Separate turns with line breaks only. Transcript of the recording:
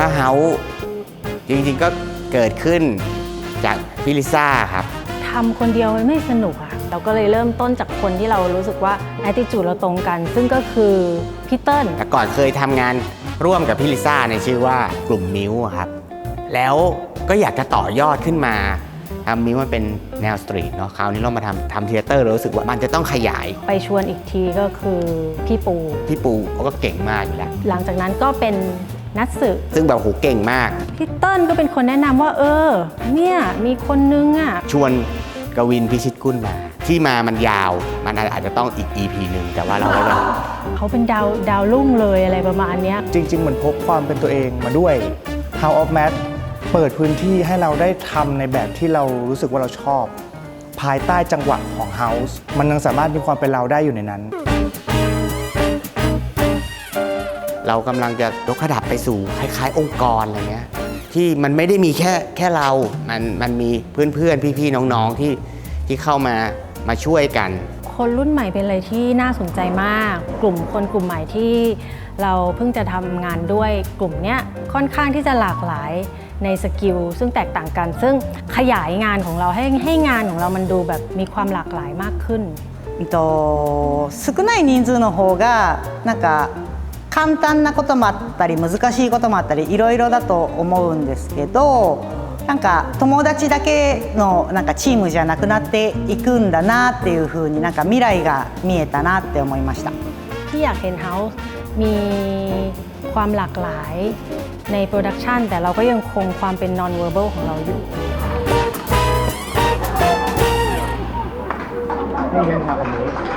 ถ้าเฮาจริงๆก็เกิดขึ้นจากพี่ลิซ่าครับ
ทำคนเดียวมันไม่สนุกอะเราก็เลยเริ่มต้นจากคนที่เรารู้สึกว่า attitude เราตรงกัน ซึ่งก็คือพี่เติ้ล
แต่ก่อนเคยทำงานร่วมกับพี่ลิซ่าในชื่อว่ากลุ่มมิ้วครับแล้วก็อยากจะต่อยอดขึ้นมามิ้วมันเป็นแนวสตรีทเนาะคราวนี้เรามาทำเทเตอร์เรารู้สึกว่ามันจะต้องขยาย
ไปชวนอีกทีก็คือพี่ปู
เขาก็เก่งมากอยู่แล้ว
หลังจากนั้นก็เป็นนัทสึ
ซึ่งแบบโหเก่งมาก
พี่เติ้ลก็เป็นคนแนะนำว่าเนี่ยมีคนนึงอ่ะ
ชวนกวินพิชิตกุลมาที่มามันยาวมันอาจจะต้องอีก EP หนึ่งแต่ว่าเรา
เขาเป็นดาวรุ่งเลยอะไรประมาณนี้
จริงๆเหมือนพกความเป็นตัวเองมาด้วย House of Math เปิดพื้นที่ให้เราได้ทำในแบบที่เรารู้สึกว่าเราชอบภายใต้จังหวะของ House มันยังสามารถมีความเป็นเราได้อยู่ในนั้น
เรากำลังจะยกระดับไปสู่คล้ายๆองค์กรอะไรเงี้ยที่มันไม่ได้มีแค่เรามันมีเพื่อนๆพี่ๆน้องๆที่เข้ามาช่วยกัน
คนรุ่นใหม่เป็นอะไรที่น่าสนใจมากกลุ่มใหม่ที่เราเพิ่งจะทำงานด้วยกลุ่มเนี้ยค่อนข้างที่จะหลากหลายในสกิลซึ่งแตกต่างกันซึ่งขยายงานของเราให้งานของเรามันดูแบบมีความหลากหลายมากขึ้น
少ない人数の方がなんか簡単なこともあったり難しいこともあったりいろいろだと思うんですけどなんか友達だけのなんかチームじゃなくなっていくんだなっていうふうになんか未来が見えたなって思いました
ที่อยากเห็น House มีความหลากหลายในโปรดักชันแต่เราก็ยังคงความเป็น non verbal ของเราอยู่
นี่เป็นทางอันนี้